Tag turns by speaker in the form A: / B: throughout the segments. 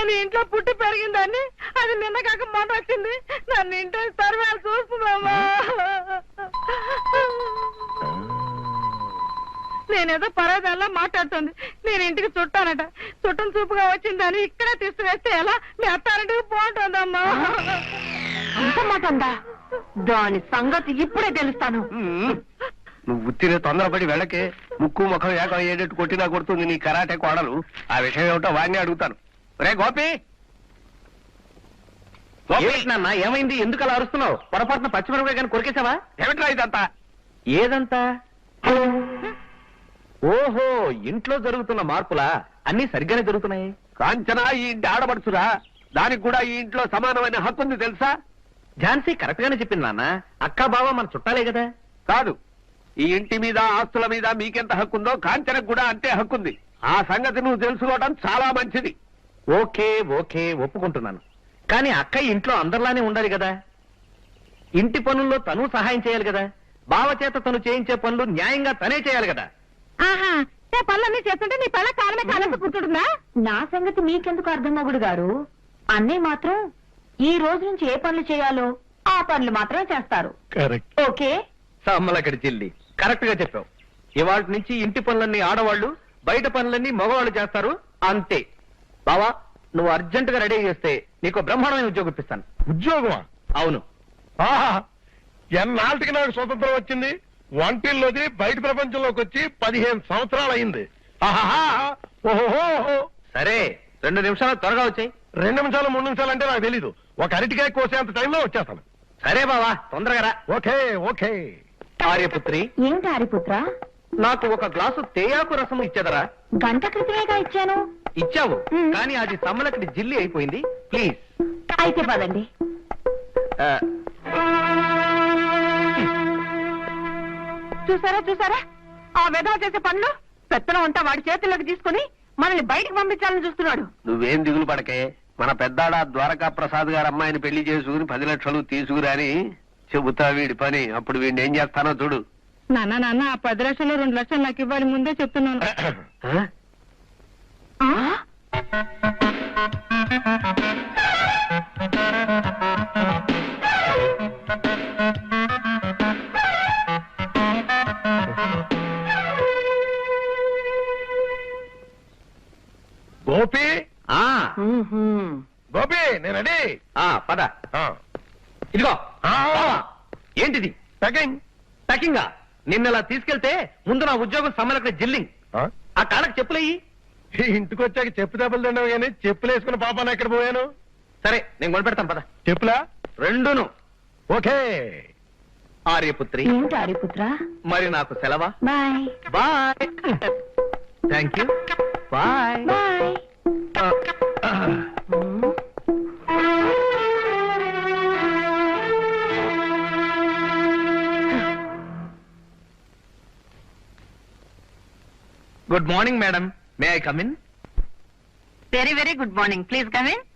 A: నేను ఇంట్లో పుట్టి పెరిగిందాన్ని, అది నిన్న కాక మాట వచ్చింది. నన్ను ఇంట్లో సర్వేలు చూస్తున్నామా? నేనేదో పరాదాల్లో మాట్లాడుతుంది. నేను ఇంటికి చుట్టానట. చుట్టం చూపుగా వచ్చిందని ఇక్కడే తీసుకువేస్తే ఎలా? మీ అత్తారింటికి బాగుంటుందమ్మా.
B: అంత మాట ఉందా? దాని సంగతి ఇప్పుడే తెలుస్తాను.
C: నువ్వు ఉత్తినే తొందరపడి వెళ్ళకే. ముక్కు ముఖం ఏకం అయ్యేటట్టు కొట్టినా కొడుతుంది నీ కరాటే కోడలు. ఆ విషయం ఏమిటో వాడిని అడుగుతాను. రే గోపి,
D: నాన్న ఏమైంది? ఎందుకు అలా అరుస్తున్నావు? పొరపాటున పచ్చిమిరపకాయ కానీ కొరికేసావా?
C: ఏమిట్రా ఇదంతా?
D: ఏదంతా? ఓహో, ఇంట్లో జరుగుతున్న మార్పులా? అన్ని సరిగ్గానే జరుగుతున్నాయి.
C: కాంచనా ఈ ఇంటి ఆడబడుచురా. దానికి కూడా ఈ ఇంట్లో సమానమైన హక్కు ఉంది తెలుసా?
D: ఝాన్సీ కరెక్ట్ గానే చెప్పింది నాన్న. అక్క బావ మన చుట్టాలే కదా.
C: కాదు, ఈ ఇంటి మీద ఆస్తుల మీద మీకెంత హక్కుందో కాంచనకు కూడా అంతే హక్కుంది. ఆ సంగతి నువ్వు తెలుసుకోవడం చాలా మంచిది.
D: ఓకే ఓకే, ఒప్పుకుంటున్నాను. కానీ అక్క ఇంట్లో అందరిలానే ఉండాలి కదా. ఇంటి పనుల్లో తను సహాయం చేయాలి కదా. బావ చేత తను చేయించే పనులు న్యాయంగా తనే చేయాలి కదా.
A: ఆహా, పనులన్నీ చేస్తుంటే నీ పళ్ళ కాలమే కాలంతో కూర్చుంటుందా?
B: నా సంగతి మీకెందుకు అర్థం మొగుడు గారు? అన్నయ్య మాత్రం ఈ రోజు నుంచి ఏ పనులు చేయాలో ఆ పనులు మాత్రమే చేస్తారు.
D: కరెక్ట్.
B: ఓకే.
D: సమ్మలక్కడి చెల్లి, కరెక్ట్ గా చెప్పావు. ఇవాళ నుంచి ఇంటి పనులన్నీ ఆడవాళ్లు, బయట పనులన్నీ మగవాళ్ళు చేస్తారు. అంతే. బావా, నువ్వు అర్జెంట్ గా రెడీ చేస్తే నీకు బ్రహ్మాండమైన ఉద్యోగం ఇప్పిస్తాను.
E: ఉద్యోగమా?
D: అవును.
E: ఆహా, ఎన్నాళ్ళకి నాకు స్వతంత్రం వచ్చింది. వంటిల్లోది బయట ప్రపంచంలోకి వచ్చి 15 సంవత్సరాలు అయింది. ఓహో,
D: సరే, 2 నిమిషాలు త్వరగా వచ్చాయి.
E: 2 నిమిషాలు 3 నిమిషాలు అంటే నాకు తెలీదు. ఒక అరటికాయ కోసేంత టైంలో వచ్చేస్తాను.
D: సరే బావా, తొందరగా రా.
E: Okay okay.
D: ఆర్యపుత్రి,
B: ఏంటి హరిపుత్ర?
D: నాకు ఒక గ్లాసు తేయాకు రసం ఇచ్చేదరా?
B: గంట క్రితమేగా ఇచ్చాను.
D: ఇచ్చావు, కానీ అది సమ్మలక్కడి జిల్లి అయిపోయింది. ప్లీజ్.
B: అయితే పదండి.
A: చూసారా ఆ వెధవ చేసే పనులు. పెత్తనం అంతా వాడి చేతుల్లోకి తీసుకుని మనల్ని బయటికి పంపించాలని చూస్తున్నాడు.
C: నువ్వేం దిగులు పడకే. మన పెద్దాడ ద్వారకా ప్రసాద్ గారు అమ్మాయిని పెళ్లి చేసుకుని 10 లక్షలు తీసుకురాని చెబుతా వీడి పని. అప్పుడు వీడిని ఏం చేస్తానో చూడు.
A: నాన్న ఆ 10 లక్షలు 2 లక్షలు నాకు ఇవ్వాలి, ముందే చెప్తున్నాను.
E: గోపి,
D: ఆ
E: గోపి, నేను రెడీ.
D: పద. ఇదిగో. ఏంటిది?
E: సెకండ్
D: ప్యాకింగా? నిన్నలా తీసుకెళ్తే ముందు నా ఉద్యోగం సమ్మలక్కడి జిల్లింగ్. ఆ కాళ్ళకి చెప్పులయ్యి.
E: ఇంటికి వచ్చాక చెప్పు దెబ్బలు తిన్నావు కానీ చెప్పులు వేసుకున్న పాపాను ఎక్కడ పోయాను?
D: సరే, నేను కొనిపెడతాను పద.
E: చెప్పులా?
D: రెండును.
E: ఓకే.
D: ఆర్యపుత్రి,
B: ఏంటి హరిపుత్ర?
D: మరి నాకు సెలవా?
B: Bye
D: bye. Thank you. Bye
B: bye.
D: Good morning madam. May I come in?
A: Very very good morning. Please come in.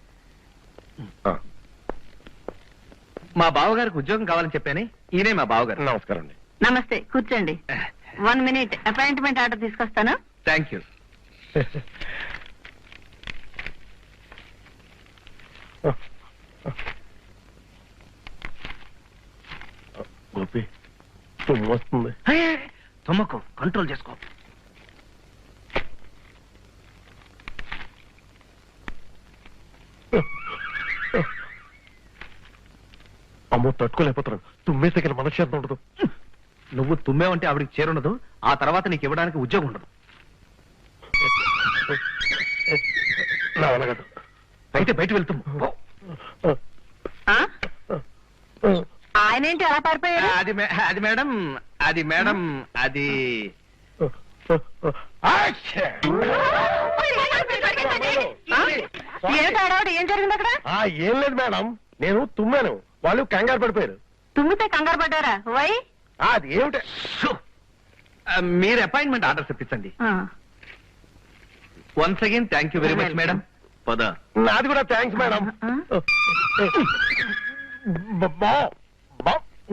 D: మా బావగారికి ఉద్యోగం కావాలని చెప్పాను. ఈయనే మా బావగారు.
E: నమస్కారం అండి.
A: నమస్తే, కూర్చోండి. 1 minute అపాయింట్మెంట్ ఆర్డర్ తీసుకొస్తాను.
D: Thank you.
E: గోపి, తుమ్ము వస్తుంది.
D: తుమ్మకు, కంట్రోల్ చేసుకో.
E: అమ్మో, తట్టుకోలేకపోతున్నాను. తుమ్మేస్తే ఇక్కడ మనశ్శాంతి ఉండదు.
D: నువ్వు తుమ్మేవంటే ఆవిడికి చేరుండదు. ఆ తర్వాత నీకు ఇవ్వడానికి ఉద్యోగం ఉండదు.
E: నా వల్ల కాదు.
D: అయితే బయట వెళ్తాము.
A: ఆయనేంటి అలా పారిపోయారు?
D: అది మేడం, అది మేడం, అది
A: ఏం జరిగింది అక్కడ?
E: ఏం లేదు మేడం, నేను తుమ్మాను, వాళ్ళు కంగారు పడిపోయారు.
A: తుమ్మితే కంగారు పడ్డారా? వై?
E: అది ఏమిటి?
D: మీరు అపాయింట్మెంట్ ఆర్డర్ తెప్పించండి. Once again thank you very much madam. పద.
E: నాది కూడా థ్యాంక్స్ మేడం.